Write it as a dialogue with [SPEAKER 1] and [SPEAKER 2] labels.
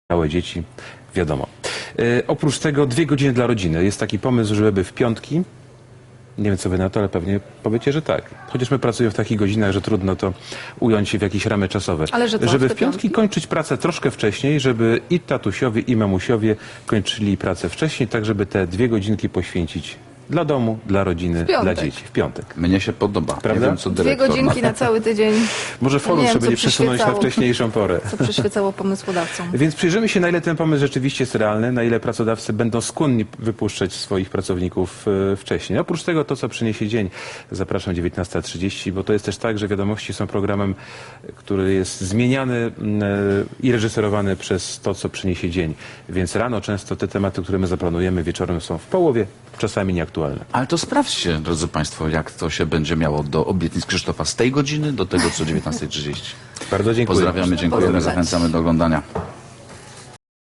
[SPEAKER 1] małe dzieci, wiadomo. Oprócz tego 2 godziny dla rodziny. Jest taki pomysł, żeby w piątki, nie wiem co wy na to, ale pewnie powiecie, że tak. Chociaż my pracujemy w takich godzinach, że trudno to ująć w jakieś ramy czasowe.
[SPEAKER 2] Ale że co,
[SPEAKER 1] żeby
[SPEAKER 2] w
[SPEAKER 1] w
[SPEAKER 2] te
[SPEAKER 1] piątki
[SPEAKER 2] piątki?
[SPEAKER 1] kończyć pracę troszkę wcześniej, żeby i tatusiowie, i mamusiowie kończyli pracę wcześniej, tak żeby te 2 godzinki poświęcić dla domu, dla rodziny,
[SPEAKER 2] piątek.
[SPEAKER 1] dla dzieci. W piątek.
[SPEAKER 3] Mnie się podoba.
[SPEAKER 1] Prawda?
[SPEAKER 3] Nie wiem, co
[SPEAKER 2] 2
[SPEAKER 3] dyrektor
[SPEAKER 2] godzinki na cały tydzień.
[SPEAKER 1] Może forum
[SPEAKER 2] Nie wiem,
[SPEAKER 1] sobie
[SPEAKER 2] co
[SPEAKER 1] nie przesunąć na
[SPEAKER 2] przyświecało.
[SPEAKER 1] wcześniejszą porę.
[SPEAKER 2] Co przyświecało pomysłodawcom.
[SPEAKER 1] Więc przyjrzymy się, na ile ten pomysł rzeczywiście jest realny, na ile pracodawcy będą skłonni wypuszczać swoich pracowników wcześniej. Oprócz tego to, co przyniesie dzień. Zapraszam 19:30, bo to jest też tak, że Wiadomości są programem, który jest zmieniany i reżyserowany przez to, co przyniesie dzień. Więc rano często te tematy, które my zaplanujemy, wieczorem są w połowie, czasami nieaktualne.
[SPEAKER 3] Ale to sprawdźcie, drodzy Państwo, jak to się będzie miało do obietnic Krzysztofa z tej godziny do tego, co 19:30.
[SPEAKER 1] Bardzo dziękuję.
[SPEAKER 3] Pozdrawiamy, dziękujemy,
[SPEAKER 2] Pozdrawiam.
[SPEAKER 3] zachęcamy do oglądania.